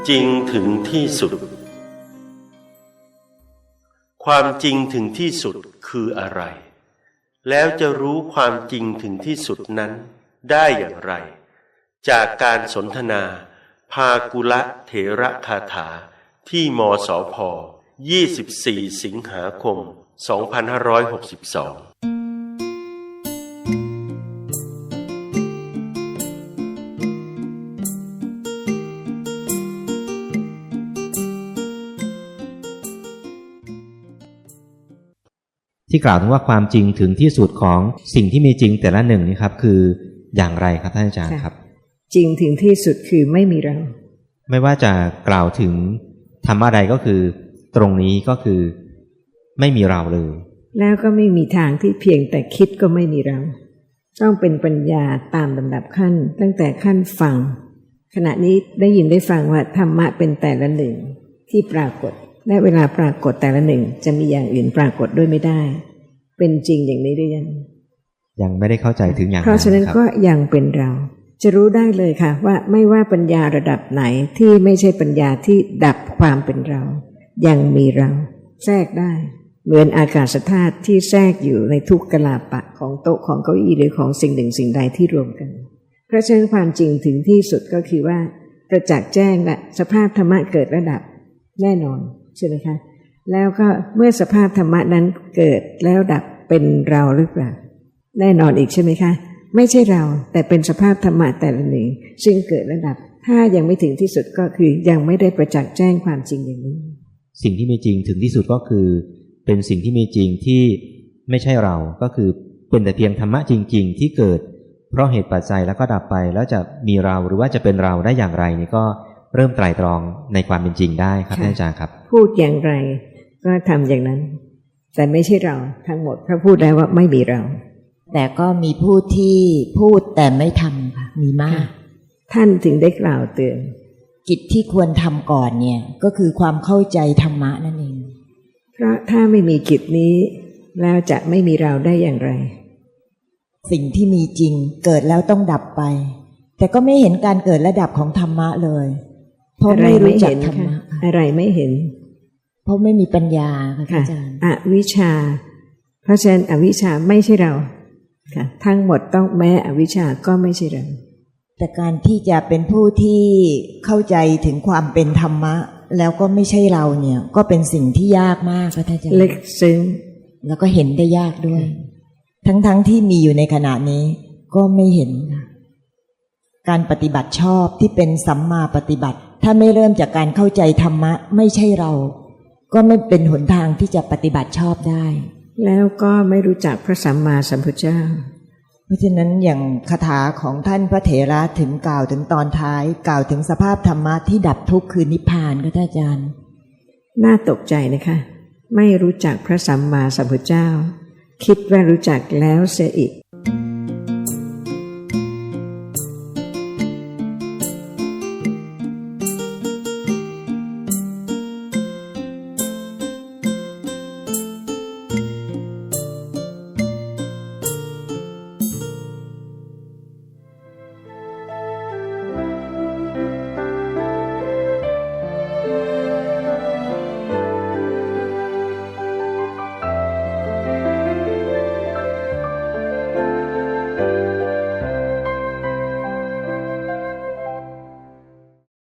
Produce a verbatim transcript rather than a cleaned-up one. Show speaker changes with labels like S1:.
S1: จริงถึงที่สุดความจริงถึงที่สุดคืออะไรแล้วจะรู้ความจริงถึงที่สุดนั้นได้อย่างไรจากการสนทนาภากุละเถระคาถาที่มสพยี่สิบสี่สิงหาคมสองพันห้าร้อยหกสิบสอง
S2: ที่กล่าวถึงว่าความจริงถึงที่สุดของสิ่งที่มีจริงแต่ละหนึ่งนี่ครับคืออย่างไรครับท่านอาจารย์ครับ
S3: จริงถึงที่สุดคือไม่มีเรา
S2: ไม่ว่าจะกล่าวถึงธรรมะใดก็คือตรงนี้ก็คือไม่มีเราเลย
S3: แล้วก็ไม่มีทางที่เพียงแต่คิดก็ไม่มีเราต้องเป็นปัญญาตามลำดับขั้นตั้งแต่ขั้นฟังขณะนี้ได้ยินได้ฟังว่าธรรมะเป็นแต่ละหนึ่งที่ปรากฏและเวลาปรากฏแต่ละหนึ่งจะมีอย่างอื่นปรากฏด้วยไม่ได้เป็นจริงอย่างนี้หรือยัง
S2: ยังไม่ได้เข้าใจถึงอย่างนั้น
S3: เพราะฉะนั้นก็ยังเป็นเราจะรู้ได้เลยค่ะว่าไม่ว่าปัญญาระดับไหนที่ไม่ใช่ปัญญาที่ดับความเป็นเรายังมีเราแทรกได้เหมือนอากาศธาตุที่แทรกอยู่ในทุกกลาปะของโต๊ะของเก้าอี้หรือของสิ่งหนึ่งสิ่งใดที่รวมกันเพราะฉะนั้นความจริงถึงที่สุดก็คือว่าประจักษ์แจ้งและสภาพธรรมะเกิดระดับแน่นอนใช่ไหมคะแล้วก็เมื่อสภาพธรรมะนั้นเกิดแล้วดับเป็นเราหรือเปล่าแน่นอนอีกใช่ไหมคะไม่ใช่เราแต่เป็นสภาพธรรมะแต่ละหนึ่งซึ่งเกิดระดับถ้ายังไม่ถึงที่สุดก็คือยังไม่ได้ประจักษ์แจ้งความจริงอย่างนี้
S2: สิ่งที่มีจริงถึงที่สุดก็คือเป็นสิ่งที่มีจริงที่ไม่ใช่เราก็คือเป็นแต่เพียงธรรมะจริงๆที่เกิดเพราะเหตุปัจจัยแล้วก็ดับไปแล้วจะมีเราหรือว่าจะเป็นเราได้อย่างไรนี่ก็เริ่มไตร่ตรองในความเป็นจริงได้ครับท่านอาจารย์ครับ
S3: พูดอย่างไรก็ทำอย่างนั้นแต่ไม่ใช่เราทั้งหมดเพราะพูดแล้วว่าไม่มีเรา
S4: แต่ก็มีผู้ที่พูดแต่ไม่ทำค่ะมีมาก
S3: ท่านถึงได้กล่าวเตือน
S4: กิจที่ควรทำก่อนเนี่ยก็คือความเข้าใจธรรมะนั่นเอง
S3: เพราะถ้าไม่มีกิจนี้แล้วจะไม่มีเราได้อย่างไร
S4: สิ่งที่มีจริงเกิดแล้วต้องดับไปแต่ก็ไม่เห็นการเกิดและดับของธรรมะเลยเพราะไม่รู้จักธรรมะ
S3: อะไรไม่เห็น
S4: เพราะไม่มีปัญญาค่ะอาจารย์
S3: อวิชชาเพราะฉะนั้นอวิชชาไม่ใช่เราค่ะทั้งหมดต้องแม้อวิชชาก็ไม่ใช่เรา
S4: แต่การที่จะเป็นผู้ที่เข้าใจถึงความเป็นธรรมะแล้วก็ไม่ใช่เราเนี่ยก็เป็นสิ่งที่ยากมากค่ะอาจารย์
S3: ลึกซึ้ง
S4: แล้วก็เห็นได้ยากด้วยทั้งๆ ท, ที่มีอยู่ในขณะนี้ก็ไม่เห็นการปฏิบัติชอบที่เป็นสัมมาปฏิบัติถ้าไม่เริ่มจากการเข้าใจธรรมะไม่ใช่เราก็ไม่เป็นหนทางที่จะปฏิบัติชอบได้
S3: แล้วก็ไม่รู้จักพระสัมมาสัมพุทธเจ้า
S4: เพราะฉะนั้นอย่างคาถาของท่านพระเถระถึงกล่าวถึงตอนท้ายกล่าวถึงสภาพธรรมะที่ดับทุกข์คือนิพพานค่ะท่านอาจารย์
S3: น่าตกใจนะคะไม่รู้จักพระสัมมาสัมพุทธเจ้าคิดว่ารู้จักแล้วเสียอีก